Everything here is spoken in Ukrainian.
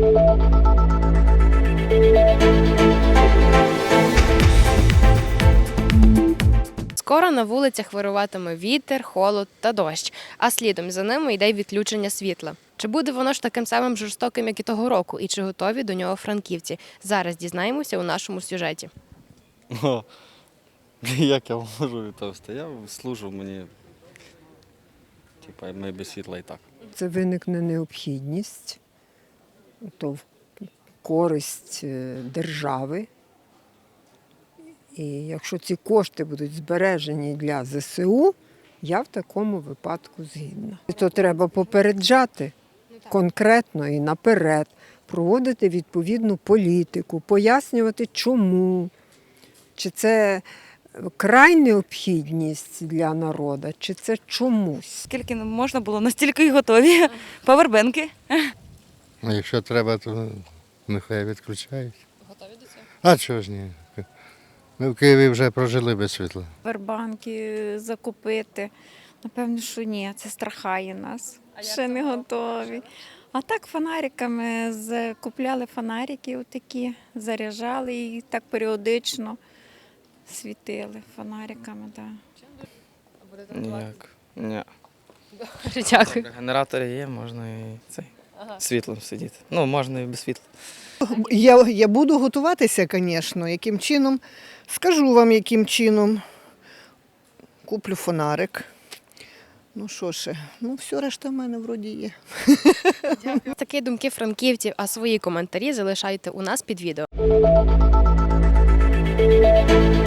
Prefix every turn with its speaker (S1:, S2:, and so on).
S1: Скоро на вулицях вируватиме вітер, холод та дощ, а слідом за ними йде й відключення світла. Чи буде воно ж таким самим жорстоким, як і того року, і чи готові до нього франківці? Зараз дізнаємося у нашому сюжеті.
S2: Як я можу відповісти? Я служу, мені ми без світла і так.
S3: Це виникне необхідність, то в користь держави. І якщо ці кошти будуть збережені для ЗСУ, я в такому випадку згідна. То треба попереджати конкретно і наперед, проводити відповідну політику, пояснювати чому, чи це край необхідність для народу, чи це чомусь.
S4: Скільки можна було, настільки й готові. Павербенки.
S5: А якщо треба, то нехай відключають.
S1: Готові до цього?
S5: А чого ж ні? Ми в Києві вже прожили без світла.
S6: Павербанки закупити. Напевно, що ні, це страхає нас. Ще не готові. А так фонариками купляли фонарики отакі, заряджали і так періодично світили фонариками. Да.
S2: Ніяк. Ні.
S1: Дякую.
S2: Генератори є, можна і світлом сидіти. Ну, можна і без світла.
S7: Я буду готуватися, звісно, яким чином. Скажу вам, яким чином. Куплю фонарик. Ну що ще, все решта в мене вроді є.
S1: Такі думки франківців, а свої коментарі залишайте у нас під відео.